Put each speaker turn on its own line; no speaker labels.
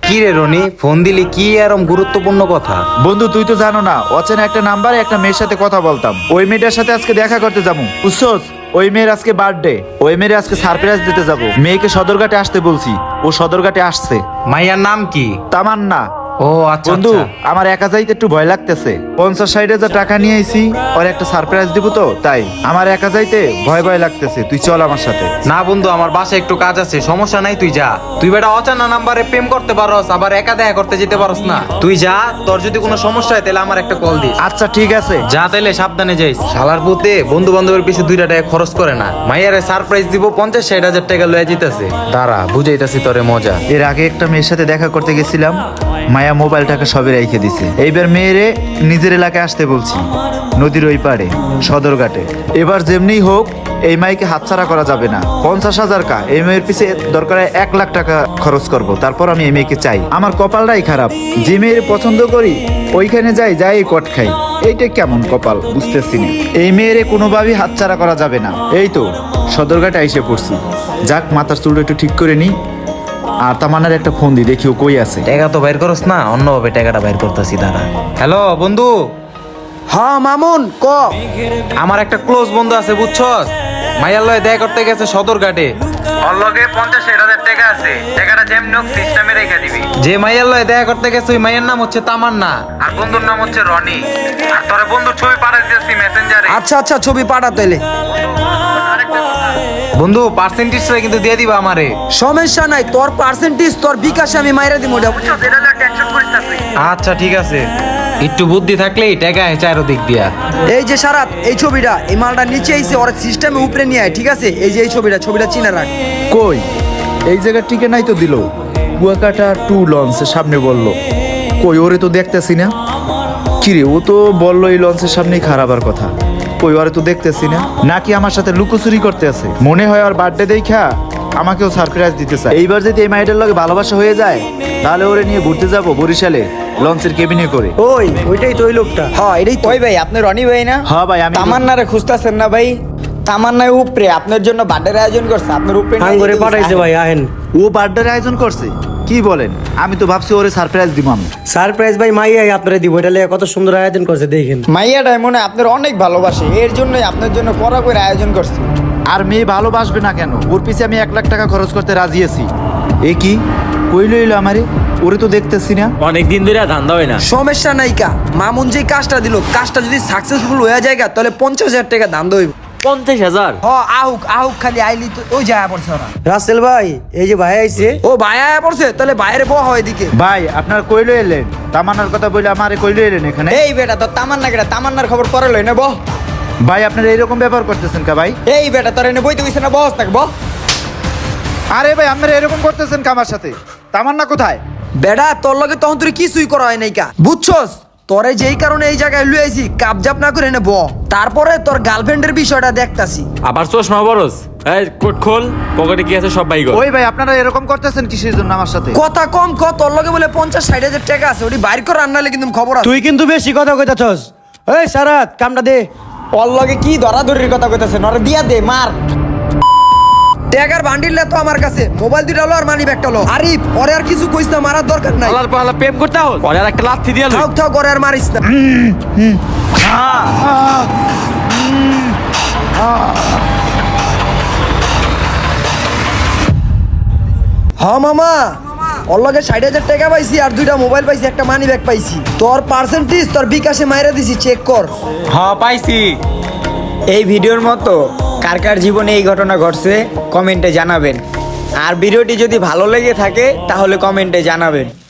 কি রে রনি, ফোন দিলি কি এরম গুরুত্বপূর্ণ কথা?
বন্ধু তুই তো জানো না, অচেনা একটা নাম্বারে একটা মেয়ের সাথে কথা বলতাম। ওই মেয়েটার সাথে আজকে দেখা করতে যাবো, বুঝছোস? ওই মেয়ের আজকে বার্থডে, ওই মেয়ের আজকে সারপ্রাইজ দিতে যাব। মেয়েকে সদরঘাটে আসতে বলছি, ও সদরঘাটে আসছে।
মাইয়ার নাম কি?
তামান্না।
ও আচ্ছা
বন্ধু
আচ্ছা।
আমার একা যাইতে একটু ভয় লাগতেছে। 50-60 হাজার টাকা নিয়ে আইছি, ওর একটা সারপ্রাইজ দিব তো, তাই আমার একা যাইতে ভয় ভয় লাগতেছে। তুই চল আমার সাথে।
না বন্ধু, আমার বাসায় একটু কাজ আছে, সমস্যা নাই, তুই যা। তুই বেটা অচানা নাম্বারে প্রেম করতে পারস, আবার একা দেখা করতে যেতে পারস না। তুই যা, তোর যদি কোনো সমস্যা হয় তাহলে আমার একটা কল দিস।
আচ্ছা ঠিক আছে।
যা তাইলে সাবধানে যাইস। শালার পুতে বন্ধু বান্ধবের পিছে 2 টাকা খরচ করে না, মাইয়ারে সারপ্রাইজ দিব 50-60 হাজার টাকা লয়ে যেতেছে। দাঁড়া বুঝাইতাছি তোরে মজা।
এর আগে একটা মেয়ের সাথে দেখা করতে গেছিলাম, মায়া মোবাইলটাকে সবে রেখে দিছে। এইবার মেয়েরে নিজের এলাকায় আসতে বলছি, নদীর ওই পাড়ে সদরঘাটে। এবার যেমনি হোক এই মাইকে হাতছাড়া করা যাবে না। 50,000 কা এই মেয়ের পিছে দরকার 1 লাখ টাকা খরচ করব, তারপর আমি এই মেয়েকে চাই। আমার কপালটাই খারাপ, যে মেয়ের পছন্দ করি ওইখানে যাই কট খাই। এইটা কেমন কপাল বুঝতেছি না। এই মেয়েরে কোনোভাবেই হাতছাড়া করা যাবে না। এই তো সদরঘাটে এসে পড়ছি, যাক মাথার চুলটা একটু ঠিক করে নিই। আর তামান্নার একটা ফোন দি, দেখি ও কই আছে।
টাকা তো বাইর করস না, অন্যভাবে টাকাটা বাইর করতেছি, দাঁড়া। হ্যালো বন্ধু।
হ্যাঁ মামুন ক।
আমার একটা ক্লোজ বন্ধু আছে বুঝছস, মাইয়ার লয়ে দেখা করতে গেছে সদরঘাটে। ওর লগে 50-60 হাজার টাকা আছে, টাকাটা যেমনি হোক সিস্টেমে রেখে দিবি। যে মাইয়ার লয়ে দেখা করতে গেছে ওই মাইয়ার নাম হচ্ছে তামান্না, আর বন্ধুর নাম হচ্ছে রনি। আর তোর বন্ধুর ছবি পাঠিয়ে দিয়েছি মেসেঞ্জারে।
আচ্ছা আচ্ছা ছবি পাঠা তাইলে।
বন্ধু পার্সেন্টেজটা কিন্তু দিয়ে দিবা আমারে।
সমস্যা নাই, তোর পার্সেন্টেজ তোর বিকাশে আমি মাইরা দিব।
আচ্ছা ঠিক আছে, একটু বুদ্ধি থাকলেই টাকা চারদিক দিয়া।
এই যে সারাত, এই ছবিটা এই মালটা নিচে আইছে, ওর সিস্টেমে উপরে নিয়ে আয়, ঠিক আছে? এই যে এই ছবিটা চিনে রাখ।
কই এই জায়গার টিকে নাই তো দিল, কুয়াকাটা 2 লঞ্চের সামনে বললো। কই ওরে তো দেখতেছি না। কিরে ও তো বললো এই লঞ্চের সামনেই খারাপের কথা। কই ওরে তো দেখতেছি না, নাকি আমার সাথে লুকোচুরি করতে আছে? মনে হয় আর বার্থডে দেখা আমাকেও সারপ্রাইজ দিতে চায়। এইবার যদি এই মাইটার লগে ভালোবাসা হয়ে যায়, তাহলে ওরে নিয়ে ঘুরতে যাবো বরিশালে লঞ্চের কেবিনে করে।
ওইটাই তো ওই লোকটা। হ্যাঁ এটাই তো।
ওই ভাই আপনি রনি ভাই না?
হ্যাঁ ভাই আমি।
তামান্নারে খুঁজতেছেন না ভাই? তামান্নায় উপরে আপনার জন্য বার্থডের আয়োজন করছে, আপনার উপরে নিয়ে
হাঙ্গরে
যেতে
পাঠাইছে
বলছে।
ভাই, আহেন।
ও বার্থডের আয়োজন করছে? কি বলেন? আমি তো ভাবছি ওরে সারপ্রাইজ দিব আমি।
সারপ্রাইজ ভাই মাইয়াই আপনারা দিব, এটা লিয়ে কত সুন্দর আয়োজন করছে দেখেন।
মাইয়াটাই মনে হয় আপনার অনেক ভালোবাসে, এর জন্যই আপনার জন্য কড়া করে আয়োজন করছে।
আর মেয়ে ভালোবাসবে না কেন? ওর পিছে আমি 1 লাখ টাকা খরচ করতে রাজি আছি। এ কি কইল এলো আমারে? ওরে তো দেখতেছি না।
অনেকদিন ধরে ধান্দা হয় না।
সমস্যা নাই কা, মামুন যে কাজটা দিল, কাজটা যদি সাকসেসফুল হয়ে যায় তাহলে 50,000 টাকা দাম দইব।
50,000?
আহুক খালি আইলি তো ওই যায় পড়ছে ওরা।
রাসেল ভাই এই যে ভাই আইছে।
ও ভাই আয়া পড়ছে, তাহলে বাইরে বহ এদিকে।
ভাই আপনার কইলো এলেন, তামান্নার কথা বলে আমারে কইলো এলেন এখানে।
এই বেটা তোর তামান্না কেটা, তামান্নার খবর পরে লই না বহ।
ভাই আপনারা এরকম ব্যাপার করতেছেন কা ভাই?
এই বেটা তোর এনে বইতে গেছে না, বস থাক বহ।
আরে ভাই আপনারা এরকম করতেছেন কা আমার সাথে? তামান্না কোথায়?
বেডা তোর লগে তখন তুই কিছুই করা হয় নাই কা, বুঝছস? তোরে যেই কারণে এই জায়গায় লুই আইছি, কাপজাপ না করে এনে ব, তারপরে তোর গার্লফ্রেন্ডের বিষয়টা দেখতাছি।
আবার চশমা বরস? এই কোট খোল, পকেটে কি আছে সব বাই কর।
ওই ভাই আপনারা এরকম করতেছেন কিসের জন্য আমার সাথে?
কথা কম ক, তোর লগে বলে 50-60 হাজার টাকা আছে, ওটি বাইর করে আনলে কিন্তু খবর আছে।
তুই কিন্তু বেশি কথা কইতাছস। এই সারাত কামটা দে।
ওর লগে কি ধরাধরির কথা কইতাছে, নরে দিয়া দে মার।
টাকার বান্ডিল তো আমার কাছে, মোবাইল দুইটা লো আর মানি ব্যাগটা লো। আরিফ ওরে আর কিছু কইস না, মারার দরকার নাই।
আলার পালা প্রেম করতে হস, ওরে আর একটা লাথি দিয়া লই।
থাক করে আর মারিস না। মামা ওর লগে 60,000 টাকা পাইছি, আর 2টা মোবাইল পাইছি, একটা মানি ব্যাগ পাইছি। তোর পার্সেন্টেজ তোর বিকাশে মাইরা দিছি, চেক কর।
হ্যাঁ পাইছি।
এই ভিডিওর মতো কার কার জীবনে এই ঘটনা ঘটছে কমেন্টে জানাবেন, আর ভিডিওটি যদি ভালো লেগে থাকে তাহলে কমেন্টে জানাবেন।